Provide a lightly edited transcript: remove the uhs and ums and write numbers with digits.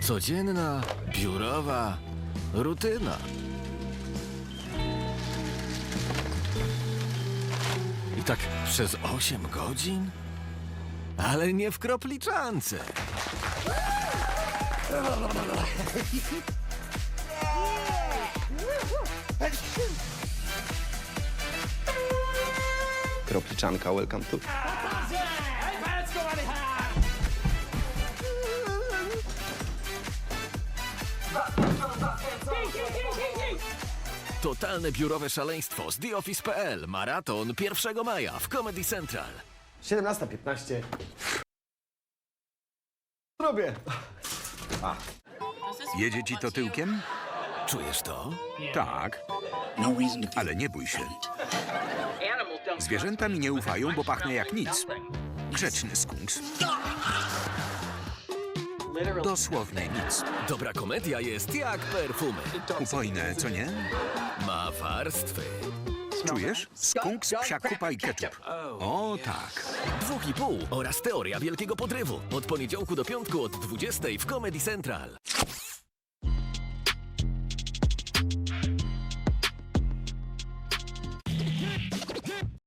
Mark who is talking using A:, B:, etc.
A: Codzienna, biurowa rutyna. I tak przez 8 godzin? Ale nie w kropliczance.
B: Kropliczanka, welcome to.
A: Totalne biurowe szaleństwo z TheOffice.pl. Maraton 1 maja w Comedy Central.
C: 17:15. Robię.
D: Jedzie ci to tyłkiem?
A: Czujesz to?
D: Tak, ale nie bój się. Zwierzęta mi nie ufają, bo pachnę jak nic. Grzeczny skunks. Dosłownie nic.
A: Dobra komedia jest jak perfumy.
D: Upojne, co nie?
A: Ma warstwy.
D: Czujesz? Skunks, psia kupa i ketchup. O tak.
A: 2,5 oraz teoria wielkiego podrywu. Od poniedziałku do piątku od 20 w Comedy Central.